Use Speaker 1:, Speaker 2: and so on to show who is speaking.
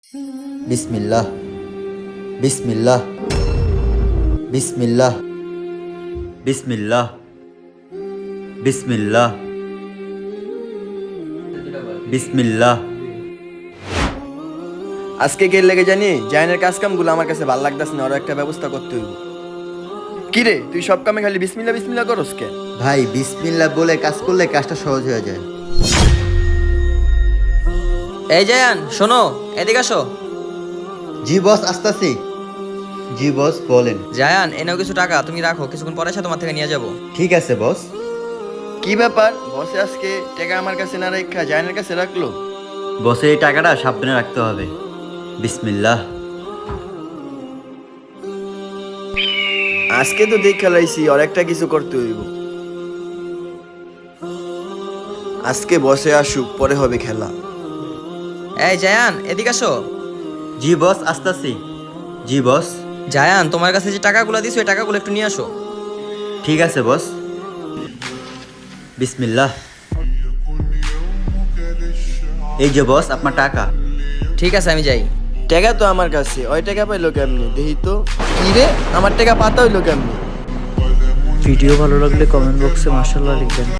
Speaker 1: বিসমিল্লাহ বিসমিল্লাহ বিসমিল্লাহ বিসমিল্লাহ বিসমিল্লাহ বিসমিল্লাহ।
Speaker 2: আজকে কে লেগে জানি জায়নের কাজ কামগুলো আমার কাছে ভালো লাগতেছে না, ওর একটা ব্যবস্থা করতে হইব। কি রে, তুই সব কামে খালি বিসমিল্লাহ বিসমিল্লাহ করস কে?
Speaker 1: ভাই বিসমিল্লাহ বলে কাজ করলে কাজটা সহজ হয়ে যায়।
Speaker 3: এই জায়ান শোনো, এদিকে আসো।
Speaker 1: জি বস, আসতাছি। জি বস, বলেন।
Speaker 3: জায়ান এনেও কিছু টাকা তুমি রাখো, কিছুক্ষণ পরে এসে তোমার থেকে নিয়ে যাবো।
Speaker 1: ঠিক আছে বস।
Speaker 2: কি ব্যাপার, বসে আজকে টাকা আমার কাছে না রেখা জায়নের কাছে রাখলো?
Speaker 1: বসে এই টাকাটা সাবধানে রাখতে হবে। বিসমিল্লাহ।
Speaker 2: আজকে তো দেখ খেলাইছি, ওর একটা কিছু করতে হইব। আজকে বসে আসুক, পরে হবে খেলা।
Speaker 3: এই জায়ান এদিকে আসো।
Speaker 1: জি বস, আসতাছি। জি বস।
Speaker 3: জায়ান তোমার কাছে যে টাকাগুলো দিছো ওই টাকাগুলো একটু নিয়ে আসো।
Speaker 1: ঠিক আছে বস। বিসমিল্লাহ। এই যে বস আপনার টাকা।
Speaker 3: ঠিক আছে আমি যাই।
Speaker 2: টাকা তো আমার কাছে, ওই টাকা পাইলো কেমনি দেখি তো। কি রে, আমার টাকা পাতা হইলো কেমনি?
Speaker 4: ভিডিও ভালো লাগলে কমেন্ট বক্সে মাশাআল্লাহ লিখবেন।